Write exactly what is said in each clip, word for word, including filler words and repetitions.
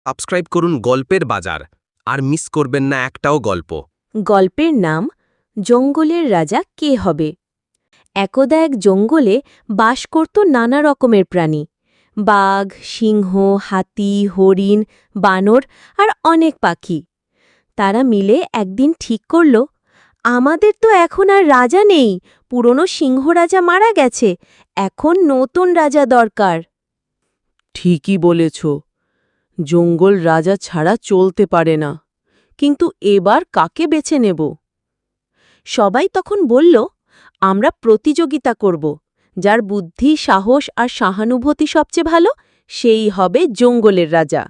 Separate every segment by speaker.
Speaker 1: Subscribe করুন গল্পের বাজার আর মিস করবেন না একটাও গল্প।
Speaker 2: গল্পের নাম জঙ্গলের রাজা কে হবে। একদা এক জঙ্গলে বাস করত নানা রকমের প্রাণী, বাঘ, সিংহ, হাতি, হরিণ, বানর আর অনেক পাখি। তারা মিলে একদিন ঠিক করল, আমাদের তো এখন আর রাজা নেই, পুরনো সিংহ রাজা মারা গেছে, এখন নতুন রাজা দরকার।
Speaker 3: ঠিকই বলেছ, জঙ্গল রাজা ছাড়া চলতে পারে না, কিন্তু এবার কাকে বেছে নেব?
Speaker 2: সবাই তখন বলল, আমরা প্রতিযোগিতা করব, যার বুদ্ধি, সাহস আর সহানুভূতি সবচেয়ে ভালো সেই হবে জঙ্গলের রাজা।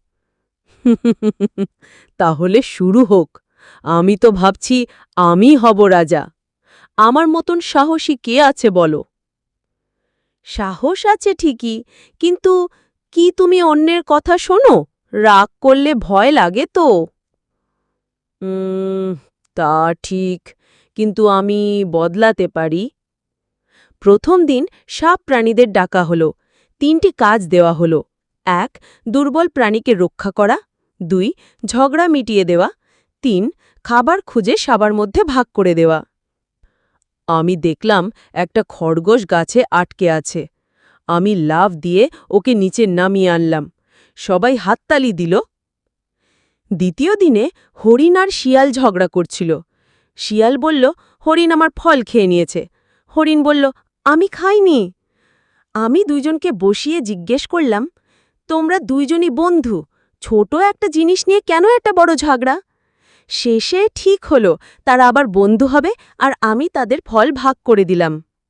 Speaker 3: তাহলে শুরু হোক। আমি তো ভাবছি আমি হব রাজা। আমার মতন সাহসী কে আছে বলো?
Speaker 2: সাহস আছে ঠিকই, কিন্তু কি তুমি অন্যের কথা শোনো? রাগ করলে ভয় লাগে তো।
Speaker 3: উম, তা ঠিক, কিন্তু আমি বদলাতে পারি।
Speaker 2: প্রথম দিন সব প্রাণীদের ডাকা হলো। তিনটি কাজ দেওয়া হলো। এক, দুর্বল প্রাণীকে রক্ষা করা। দুই, ঝগড়া মিটিয়ে দেওয়া। তিন, খাবার খুঁজে সবার মধ্যে ভাগ করে দেওয়া।
Speaker 3: আমি দেখলাম একটা খরগোশ গাছে আটকে আছে। আমি লাফ দিয়ে ওকে নিচে নামিয়ে আনলাম। সবাই হাততালি দিল।
Speaker 2: দ্বিতীয় দিনে হরিণ আর শিয়াল ঝগড়া করছিল। শিয়াল বলল, হরিণ আমার ফল খেয়ে নিয়েছে। হরিণ বলল, আমি খাইনি। আমি দুইজনকে বসিয়ে জিজ্ঞেস করলাম, তোমরা দুইজনই বন্ধু, ছোট একটা জিনিস নিয়ে কেন একটা বড় ঝগড়া? শেষে ঠিক হলো তারা আবার বন্ধু হবে, আর আমি তাদের ফল ভাগ করে দিলাম।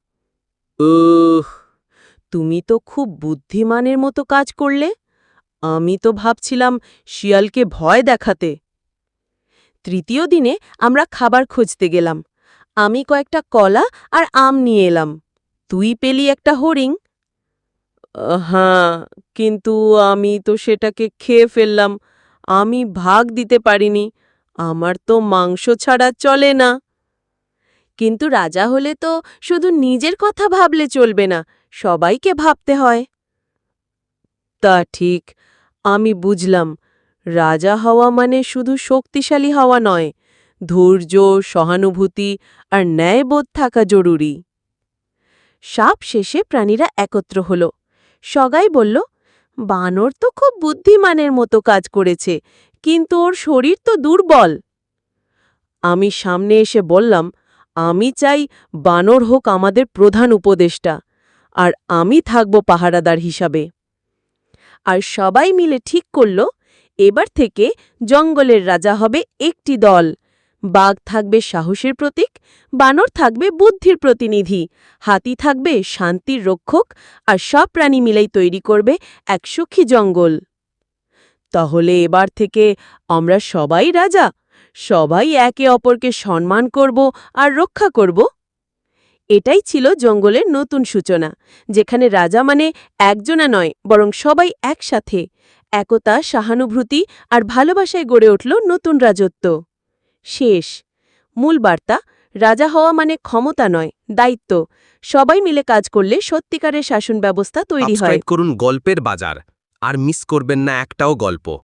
Speaker 3: উহ, তুমি তো খুব বুদ্ধিমানের মতো কাজ করলে। আমি তো ভাবছিলাম শিয়ালকে ভয় দেখাতে।
Speaker 2: তৃতীয় দিনে আমরা খাবার খুঁজতে গেলাম। আমি কয়েকটা কলা আর আম নিয়ে এলাম। তুই পেলি একটা হরিণ।
Speaker 3: আহ, হ্যাঁ, কিন্তু আমি তো সেটাকে খেয়ে ফেললাম। আমি ভাগ দিতে পারিনি। আমার তো মাংস ছাড়া চলে না।
Speaker 2: কিন্তু রাজা হলে তো শুধু নিজের কথা ভাবলে চলবে না, সবাইকে ভাবতে হয়।
Speaker 3: তা ঠিক, আমি বুঝলাম। রাজা হওয়া মানে শুধু শক্তিশালী হওয়া নয়, ধৈর্য, সহানুভূতি আর ন্যায়বোধ থাকা জরুরি।
Speaker 2: সব শেষে প্রাণীরা একত্র হল। সগাই বলল, বানর তো খুব বুদ্ধিমানের মতো কাজ করেছে, কিন্তু ওর শরীর তো দুর্বল।
Speaker 3: আমি সামনে এসে বললাম, আমি চাই বানর হোক আমাদের প্রধান উপদেষ্টা, আর আমি থাকব পাহারাদার হিসাবে।
Speaker 2: আর সবাই মিলে ঠিক করল, এবার থেকে জঙ্গলের রাজা হবে একটি দল। বাঘ থাকবে সাহসের প্রতীক, বানর থাকবে বুদ্ধির প্রতিনিধি, হাতি থাকবে শান্তির রক্ষক, আর সব প্রাণী মিলেই তৈরি করবে এক সুখী জঙ্গল।
Speaker 3: তাহলে এবার থেকে আমরা সবাই রাজা, সবাই একে অপরকে সম্মান করব আর রক্ষা করব।
Speaker 2: এটাই ছিল জঙ্গলের নতুন সূচনা, যেখানে রাজা মানে একজনা নয়, বরং সবাই একসাথে। একতা, সহানুভূতি আর ভালোবাসায় গড়ে উঠল নতুন রাজত্ব। শেষ মূল বার্তা, রাজা হওয়া মানে ক্ষমতা নয়, দায়িত্ব। সবাই মিলে কাজ করলে সত্যিকারের শাসন ব্যবস্থা তৈরি হয়।
Speaker 1: সাবস্ক্রাইব করুন গল্পের বাজার আর মিস করবেন না একটাও গল্প।